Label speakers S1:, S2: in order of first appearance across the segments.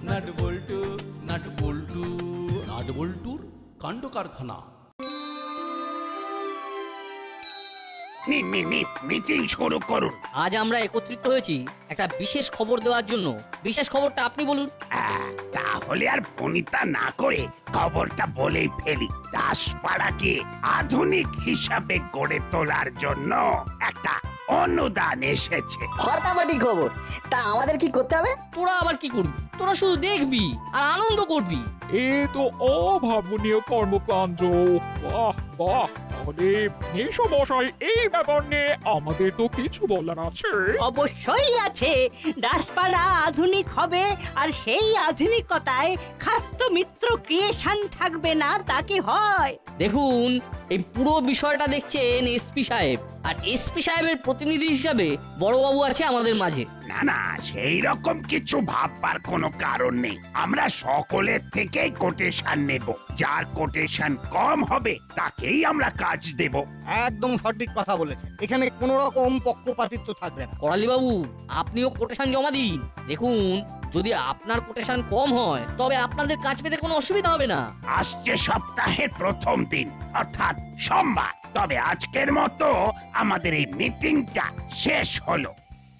S1: Nut বল্টু nut বল্টু nut বল্টুর কাণ্ড কারখানা।
S2: মিটিং শুরু করুন।
S3: আজ আমরা একত্রিত হয়েছি একটা বিশেষ খবর দেওয়ার জন্য। বিশেষ খবরটা আপনি বলুন।
S2: তাহলে আর ফোনিতা না করে খবরটা বলেই ফেলি। দাসপাড়াকে আধুনিক হিসাবে গড়ে তোলার জন্য একটা অনুদান এসেছে।
S4: ফাটাফাটি খবর। তা আমাদের কি করতে হবে?
S3: তোরা আবার কি করবি? তোরা শুধু দেখবি আর আনন্দ করবি।
S5: এ তো অভাবনীয় কর্মকাণ্ড। বাহ বাহ, তাহলে মেসমশাই এই ব্যাপার নিয়ে আমাদের তো কিছু বলার আছে।
S6: অবশ্যই আছে। দাসপাড়া আধুনিক হবে, আর সেই আধুনিকতায় খাস্ত মিত্র ক্রিয়েশন থাকবে না, তা কি হয়?
S3: দেখুন, এই পুরো বিষয়টা দেখছেন এসপি সাহেব, আর এসপি সাহেবের প্রতিনিধি হিসাবে বড়বাবু আছে আমাদের মাঝে।
S2: না, সেই রকম কিছু ভাববার কোনো কারণ নেই। আমরা সকলের থেকেই কোটেশন নেব। যার কোটেশন কম হবে তাকেই আমরা কাজ দেব।
S7: একদম সঠিক কথা বলেছেন। এখানে কোনো রকম পক্ষপাতিত্ব থাকবে না।
S3: করালি বাবু, আপনিও কোটেশন জমা দিন। দেখুন, যদি আপনার কোটেশন কম হয় তবে আপনাদের কাজ পেতে কোনো অসুবিধা হবে না।
S2: আসছে সপ্তাহের প্রথম দিন অর্থাৎ সোমবার। তবে আজকের মতো আমাদের এই মিটিংটা শেষ হলো।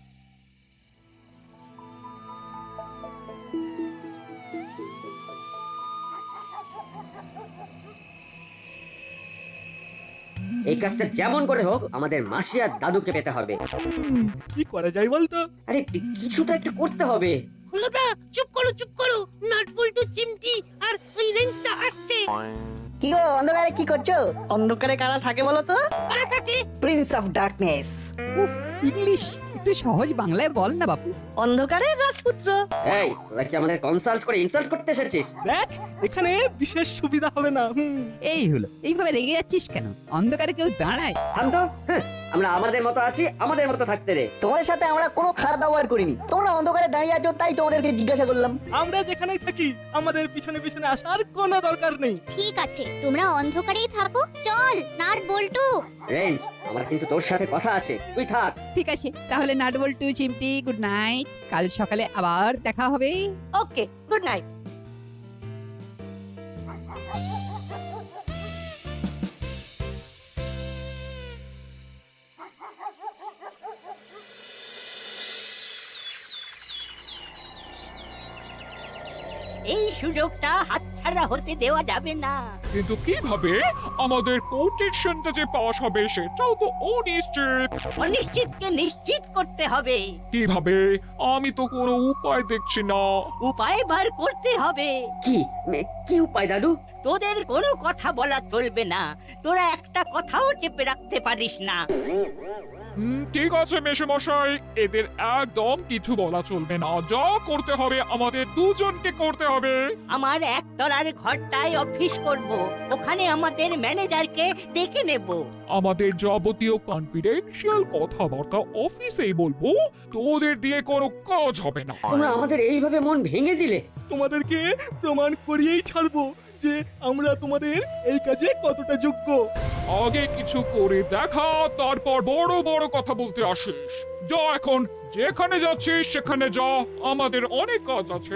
S8: এই কাজটা যেমন করে হোক আমাদের মাসি আর দাদুকে পেতে হবে।
S7: কি করা যায় বলতো?
S8: আরে কিছু তো একটা করতে হবে।
S6: হলোদা, চুপ করো। নাট বল্টু, চিমটি আর ওই রেঞ্জটা আসছে।
S4: কি গো, অন্ধকারে কি করছো?
S6: অন্ধকারে কারা থাকে বলো তো? কারা থাকে?
S4: Prince of darkness.
S9: ইংলিশ একটু সহজ বাংলায় বল না বাপু।
S6: অন্ধকারে রাজপুত্র।
S8: এই, তোরা কি আমাদের কনসাল্ট করে ইনসাল্ট করতে এসেছিস?
S7: দেখ, এখানে বিশেষ সুবিধা হবে না।
S9: এই হলো, এইভাবে রেগে যাচ্ছিস কেন? অন্ধকারে কেউ দাঁড়ায়?
S8: থাম তো। আমরা আমাদের মতো আছি, আমাদের মতো থাকতে রে।
S4: তোমাদের সাথে আমরা কোনো খারাপ ব্যবহার করিনি। তোমরা অন্ধকারে দাঁড়িয়ে আছো তাই তোমাদেরকে জিজ্ঞাসা করলাম।
S7: আমরা যেখানেই থাকি আমাদের পিছনে পিছনে আসার কোনো দরকার নেই।
S10: ঠিক আছে, তোমরা অন্ধকারেই থাকো। চল নাট বল্টু।
S8: রেঞ্জ, আমার কিন্তু তোর সাথে কথা আছে, তুই থাক।
S9: ঠিক আছে, তাহলে নাটবল্টু চিমটি গুড নাইট। কাল সকালে আবার দেখা হবে।
S6: Okay, good night. এই সুযোগটা হাতছাড়া হতে দেওয়া যাবে না।
S5: কিন্তু কিভাবে আমাদের কোটেশনটা যে পাস হবে সেটাও তো অনিশ্চিত।
S6: অনিশ্চিতকে নিশ্চিত করতে হবে।
S5: কিভাবে? আমি তো কোনো উপায় দেখছি না।
S6: উপায় বার করতে হবে।
S8: কি উপায় দাদু?
S6: তোদের কোনো কথা বলা চলবে না। তোরা একটা কথাও চেপে রাখতে পারিস না।
S5: ঠিক আছে মেসমশাই, এদের একদম কিছু বলা চলবে না। যা করতে হবে আমাদের দুজনকে করতে হবে।
S6: আমার একতলার ঘরটায় অফিস করব। ওখানে আমাদের ম্যানেজারকে ডেকে নেব।
S5: আমাদের যাবতীয় কনফিডেন্সিয়াল কথাবার্তা অফিসেই বলবো। তোদের দিয়ে কোনো কাজ হবে না।
S8: তোমরা আমাদের এইভাবে মন ভেঙে দিলে।
S7: তোমাদেরকে প্রমাণ করিয়েই ছাড়বো যে আমরা তোমাদের এই কাজে কতটা যোগ্য।
S5: আগে কিছু করে দেখা, তারপর বড় বড় কথা বলতে আসিস। যা, এখন যেখানে যাচ্ছিস সেখানে যা, আমাদের অনেক কাজ আছে।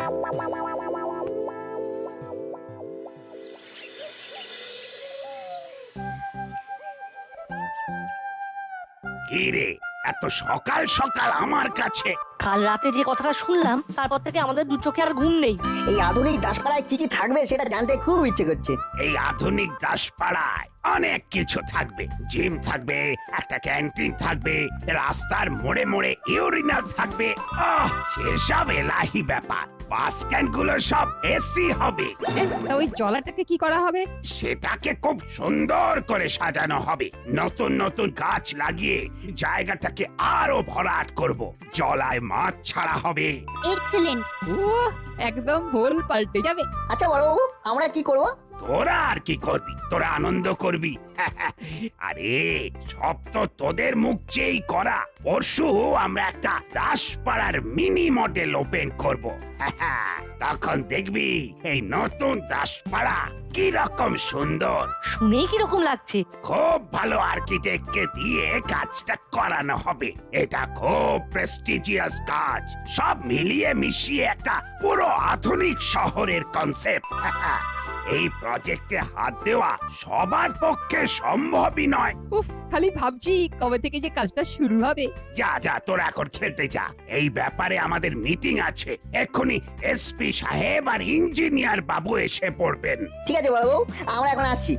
S2: কি রে, এত সকাল সকাল আমার কাছে?
S6: কাল রাতে যে কথাটা শুনলাম তারপর থেকে আমাদের দু চোখে আর ঘুম নেই।
S4: এই আধুনিক দাসপাড়ায় কি কি থাকবে সেটা জানতে খুব ইচ্ছে করছে।
S2: এই আধুনিক দাসপাড়ায় অনেক কিছু থাকবে। জিম থাকবে, একটা ক্যান্টিন থাকবে, রাস্তার মোড়ে মোড়ে ইউরিনাল থাকবে। সেসব এলাহি ব্যাপার। বাস স্ট্যান্ড গুলো সব এসি হবে।
S9: তা ওই জলাটাকে কি করা হবে?
S2: সেটাকে খুব সুন্দর করে সাজানো হবে। নতুন নতুন গাছ লাগিয়ে জায়গাটাকে আরো ভরাট করব। জলায় মাছ ছাড়া হবে।
S10: এক্সেলেন্ট।
S9: ও, একদম ভুল পাল্টে যাবে।
S4: আচ্ছা বড়বাবু, আমরা কি করব?
S2: তোরা আর কি করবি? তোরা আনন্দ করবি। আরে সব তো তোদের মুখ চেয়েই করা। পরশু আমরা একটা দাসপাড়ার মিনি মডেল ওপেন করব। তখন দেখবি এই নতুন দাসপাড়া কি রকম সুন্দর।
S6: শুনেই কিরকম লাগছে?
S2: খুব ভালো আর্কিটেক্টকে দিয়ে কাজটা করানো হবে। এটা খুব প্রেস্টিজিয়াস কাজ, সব মিলিয়ে মিশিয়ে একটা পুরো আধুনিক শহরের কনসেপ্ট। এই প্রজেক্টে হাত দেওয়া সবার পক্ষে সম্ভবই নয়।
S9: উফ, খালি ভাবছি কবে থেকে যে কাজটা শুরু হবে।
S2: যা যা তোরা এখন খেলতে যা, এই ব্যাপারে আমাদের মিটিং আছে। এক্ষুনি এসপি সাহেব আর ইঞ্জিনিয়ার বাবু এসে পড়বেন।
S4: ঠিক আছে বড়বাবু, আমরা এখন আসছি।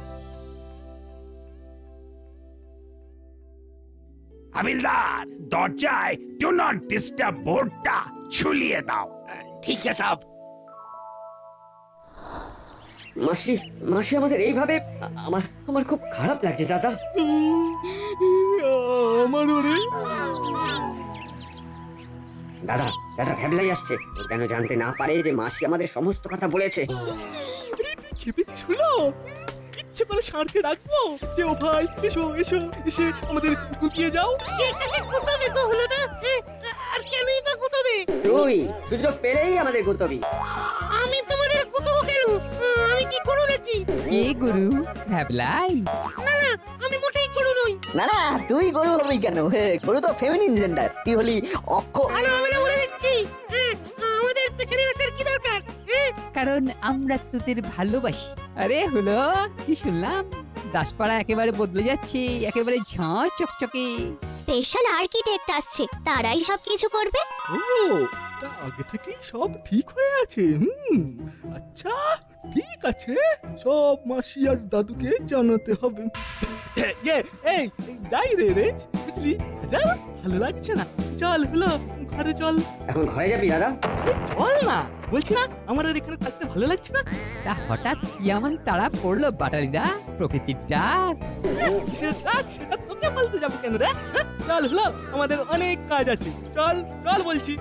S2: হাবিলদার, দরজায় ডু নট ডিস্টার্ব বোর্ডটা ঝুলিয়ে দাও।
S1: ঠিক আছে সাহেব।
S8: মাসি মাসি আমাদের এইভাবে আমার আমার খুব খারাপ লাগছে দাদা।
S7: আমার ওরে
S8: দাদা দাদা ভ্যাবলাই আসছে, ও যেন জানতে না পারে যে মাসি আমাদের সমস্ত কথা বলেছে।
S7: খেপেছিস হলো? ইচ্ছে করে ষাঁড়কে ডাকবো যে ও ভাই এসো এসো, এসে আমাদের গুটিয়ে যাও।
S6: আর কেনই বা গুতবে?
S8: তুই সুযোগ পেলেই আমাদের গুতবি।
S6: আমি তোমাদের গুতবো কেন? আমি কি করো নাকি?
S9: এ গুরু ভ্যাবলাই,
S6: আমি মোটেই করো নই।
S4: না না, তুই গরু হবি কেন? গরু তো ফেমিনিন জেন্ডার, তুই হলি অক্ষ।
S6: আমি বলে দিচ্ছি, আমাদের পেছনে আসার কি দরকার?
S9: কারণ আমরা তোদের ভালোবাসি। আরে হলো কি শুনলাম, দাসপাড়া একেবারে বদলে যাচ্ছে, একেবারে ঝাঁ চকচকে।
S10: স্পেশাল আর্কিটেক্ট আসছে, তারাই সবকিছু করবে।
S7: ও, তা আগে থেকেই সব ঠিক হয়ে আছে। আচ্ছা ঠিক আছে, সব মাসি আর দাদুকে জানাতে হবে। এই যাই রে রে, বুঝলি? যা, ভালো লাগছে না, চল হলো ঘরে চল।
S8: এখন ঘরে যাবি দাদা?
S7: চল না, বলছি না আমার আর এখানে থাকতে ভালো লাগছে না।
S9: তা হঠাৎ কি এমন তারা পড়লো বাটালিদা? প্রকৃতির ডাক।
S7: কিসের ডাক সেটা তোকে বলতে যাবো কেন রে? চল হলো, আমাদের অনেক কাজ আছে, চল চল বলছি।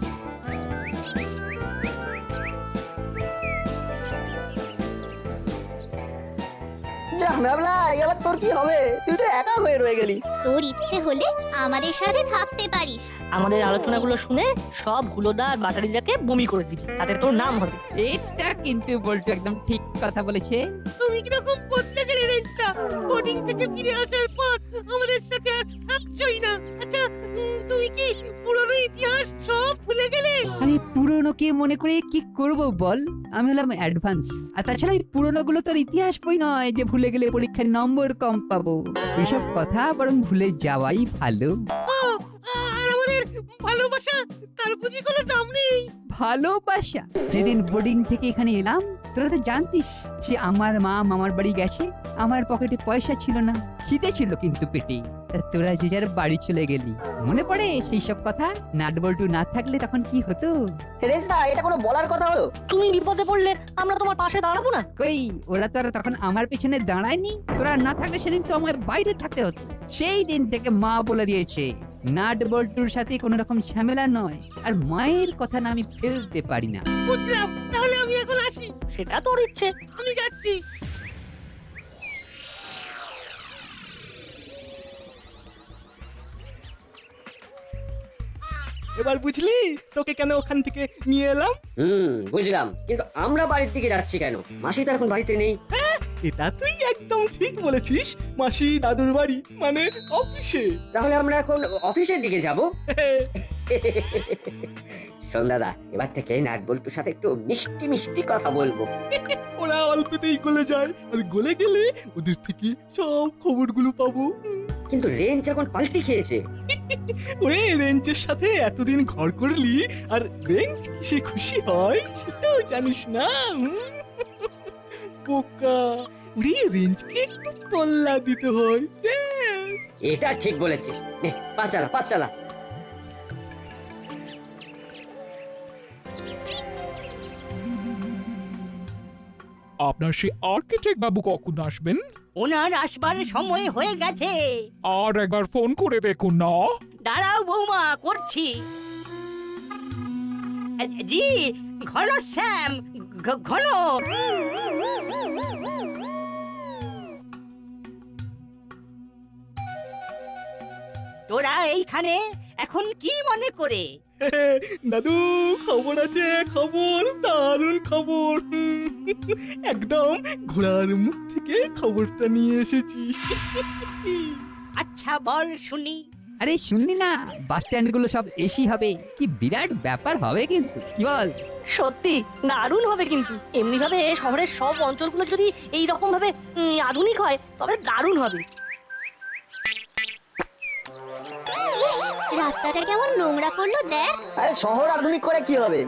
S4: যা ভাবলা, এবার তোর কি হবে? তুই তো একা হয়ে রয়ে গেলি।
S10: তোর ইচ্ছে হলে আমাদের সাথে থাকতে পারিস।
S6: আমাদের আলোচনাগুলো শুনে সব হুলোদা আর বাটারিদাকে বমি করে দিবি, তাতে তোর নাম হবে।
S9: এটা কিন্তু বলতো একদম ঠিক কথা বলেছে।
S6: তুমি কিরকম বদলে গেলে রেঞ্জটা? বোর্ডিং থেকে ফিরে আসার পর আমাদের সাথে আর থাকছই না। আচ্ছা, তুমি কি পুরনো ইতিহাস সব ভুলে গেলে?
S9: আমি পুরনোকে মনে করে কি করব বল? আমি হলাম অ্যাডভান্স। আর তাছাড়া এই পুরনোগুলো তোর ইতিহাস বই নয় যে ভুলে গেলে পরীক্ষায় নম্বর কম পাবো। এইসব কথা বরং ভুলে যাওয়াই ভালো।
S6: আর আমাদের ভালোবাসা, তার বুঝি কোনো দাম নেই?
S9: ভালোবাসা? যেদিন বোর্ডিং থেকে এখানে এলাম তোরা তো জানতিস যে আমার মা মামার বাড়ি গেছে, আমার পকেটে পয়সা ছিল না, খিদে ছিল কিন্তু পেটে। তা তোরা যে যার বাড়ি চলে গেলি, মনে পড়ে সেই সব কথা? নাটবল্টু না থাকলে তখন কি হতো?
S4: রেস্তা, এটা কোনো বলার কথা হলো?
S6: তুমি বিপদে পড়লে আমরা তোমার পাশে দাঁড়াবো না?
S9: কই, ওরা তো আর তখন আমার পেছনে দাঁড়ায়নি। তোরা না থাকলে সেদিন তো আমার বাইরে থাকতে হতো। সেই দিন থেকে মা বলে দিয়েছে নাট বল্টুর সাথে কোনো রকম ঝামেলা নয়, আর মায়ের কথা না আমি ফেলতে পারি না।
S6: বুঝলাম, তাহলে আমি এখন আসি। সেটা তোর ইচ্ছে, আমি যাচ্ছি।
S7: এবার বুঝলি তোকে কেন ওখান থেকে নিয়ে এলাম?
S8: বুঝলাম, কিন্তু আমরা বাড়ির দিকে যাচ্ছি কেন? মাসি তো এখন বাড়িতে নেই।
S7: এটা তুই একদম ঠিক বলেছিস, মাসি দাদুর বাড়ি মানে অফিসে।
S8: তাহলে আমরা এখন অফিসের দিকে যাব। শোন দাদা, এবার থেকে নাট বল্টুর সাথে একটু মিষ্টি মিষ্টি কথা বলবো।
S7: ওরা অল্পতেই গলে যায়, আর গলে গেলে ওদের থেকে সব খবরগুলো পাবো।
S8: কিন্তু রেঞ্জ এখন পাল্টি খেয়েছে।
S7: ওরে, রেঞ্জের সাথে এতদিন ঘর করলি, আর রেঞ্জ কিসে খুশি হয় সেটাও জানিস না? বোকা, ওরে রেঞ্জকে একটু তল্লা দিতে হয়।
S8: এটা ঠিক বলেছিস। নে, পা চালা পা চালা।
S5: আপনার সেই আর্কিটেক্ট বাবু কখন আসবেন?
S6: ওনার আসবার সময় হয়ে গেছে।
S5: আর একবার ফোন করে দেখুন না।
S6: দাঁড়াও বৌমা, করছি। জি, ঘন শ্যাম, ঘন। তোরা এইখানে এখন কি মনে করে?
S7: দাদু খবর আছে, খবর, দারুণ খবর। একদম ঘোড়ার মুখ থেকে খবরটা নিয়ে এসেছি।
S6: আচ্ছা বল শুনি।
S9: আরে শুনলি না, বাস স্ট্যান্ড গুলো সব এসি হবে, কি বিরাট ব্যাপার হবে কিন্তু, কি বল?
S11: সত্যি দারুণ হবে কিন্তু এমনি ভাবে শহরের সব অঞ্চলগুলো যদি এই রকম ভাবে আধুনিক হয় তবে দারুণ হবে।
S10: রাস্তাটা কেমন নোংরা করলো দেখ।
S4: আরে শহর আধুনিক করে কি হবে?